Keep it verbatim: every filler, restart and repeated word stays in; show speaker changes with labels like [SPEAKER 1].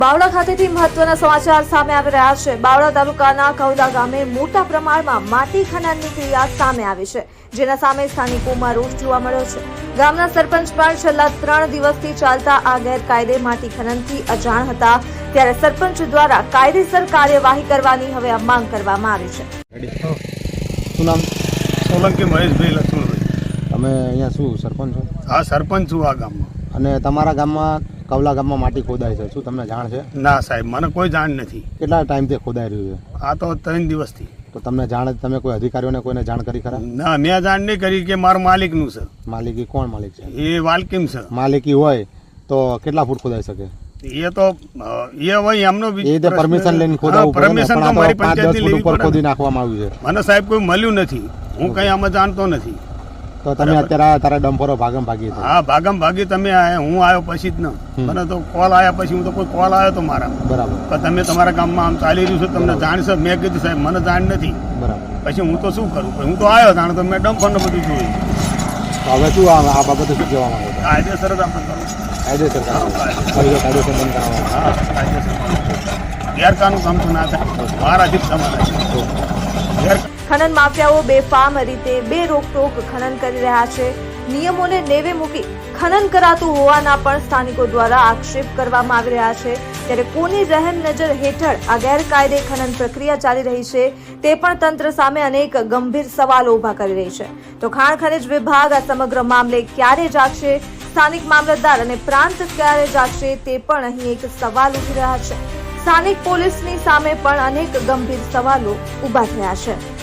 [SPEAKER 1] બાવળા ખાતેથી મહત્વના સમાચાર સામે આવી રહ્યા છે। બાવળા તાલુકાના કૌલા ગામે મોટા પ્રમાણમાં માટી ખનનની ક્રિયા સામે આવી છે, જેના સામે સ્થાનિકોમાં રોષ જોવા મળ્યો છે। ગામના સરપંચ પણ છેલ્લા ત્રણ દિવસથી ચાલતા આ ગેરકાયદે માટી ખનનથી અજાણ હતા, ત્યારે સરપંચ દ્વારા કાયદેસર કાર્યવાહી કરવાની હવે આ માંગ કરવામાં આવી છે।
[SPEAKER 2] શું નામ?
[SPEAKER 3] સોલંકી મહેશભાઈ લક્ષ્મણભાઈ।
[SPEAKER 2] તમે અહીંયા શું સરપંચ છો?
[SPEAKER 3] હા, સરપંચ છું આ ગામમાં।
[SPEAKER 2] અને તમારા ગામમાં કૌલા ગામમાં માટી ખોદાય છે, શું તમને જાણ છે?
[SPEAKER 3] ના સાહેબ, મને કોઈ જાણ નથી।
[SPEAKER 2] કેટલા ટાઈમથી ખોદાઈ રહ્યું છે?
[SPEAKER 3] આ તો ત્રણ દિવસથી।
[SPEAKER 2] તો તમને જાણ, તમે કોઈ અધિકારીઓને કોઈને જાણ કરી ખરા?
[SPEAKER 3] ના, મેં જાણ નહીં કરી કે મારા માલિકનું છે।
[SPEAKER 2] માલિકી કોણ માલિક છે?
[SPEAKER 3] એ વાલકીમ છે।
[SPEAKER 2] માલિકી હોય તો કેટલા ફૂટ ખોદાઈ શકે?
[SPEAKER 3] એ તો એ હોય એમનો
[SPEAKER 2] એ રીતે પરમિશન લઈને ખોદાવવું પડે ને, પણ આ તો પાંચ દસ ફૂટ ઉપર ખોદી નાખવામાં આવ્યું છે।
[SPEAKER 3] મને સાહેબ કોઈ મળ્યું નથી, હું કઈ આમાં જાણતો નથી।
[SPEAKER 2] તો તમે અત્યારે તારા ડમ્પરો ભાગમ ભાગી છે?
[SPEAKER 3] હા, ભાગમ ભાગી તમે આયા, હું આવ્યો પછી જ ન મને તો કોલ આવ્યા પછી હું તો કોઈ કોલ આવ્યો તો મારા
[SPEAKER 2] બરાબર,
[SPEAKER 3] પણ તમે તમારા ગામમાં આમ ચાલી રહ્યું છે, તમને જાણ છે? મેં કીધું સાહેબ મને જાણ નથી,
[SPEAKER 2] બરાબર।
[SPEAKER 3] પછી હું તો શું કરું? હું તો આવ્યો જાણ તો મેં ડમ્પર ને બધું જોયું।
[SPEAKER 2] તો હવે શું આ આ બાબતે શું કહેવા માંગો છો?
[SPEAKER 3] કાયદેસર જ આપણે કરવું।
[SPEAKER 2] કાયદેસર કાયદેસર બંધ કરાવવા?
[SPEAKER 3] હા, કાયદેસર ગેરકાનૂન કામ તો ના થાય, મારાથી જ તમારા ગેર
[SPEAKER 1] ખનન માફિયાઓ બેફામ રીતે બે રોકટોક ખનન કરી રહ્યા છે। નિયમોને નેવે મૂકી ખનન કરાતું હોવાના પણ સ્થાનિકો દ્વારા આક્ષેપ કરવામાં આવી રહ્યા છે, ત્યારે કોની રહેમ નજર હેઠળ આ ગેરકાયદે ખનન પ્રક્રિયા ચાલી રહી છે તે પણ તંત્ર સામે અનેક ગંભીર સવાલો ઉભા કરી રહી છે। તો ખાણ ખનિજ વિભાગ આ સમગ્ર મામલે ક્યારે જાગશે, સ્થાનિક મામલતદાર અને પ્રાંત ક્યારે જાગશે તે પણ અહીં એક સવાલ ઉઠી રહ્યા છે। સ્થાનિક પોલીસની સામે પણ અનેક ગંભીર સવાલો ઉભા થયા છે।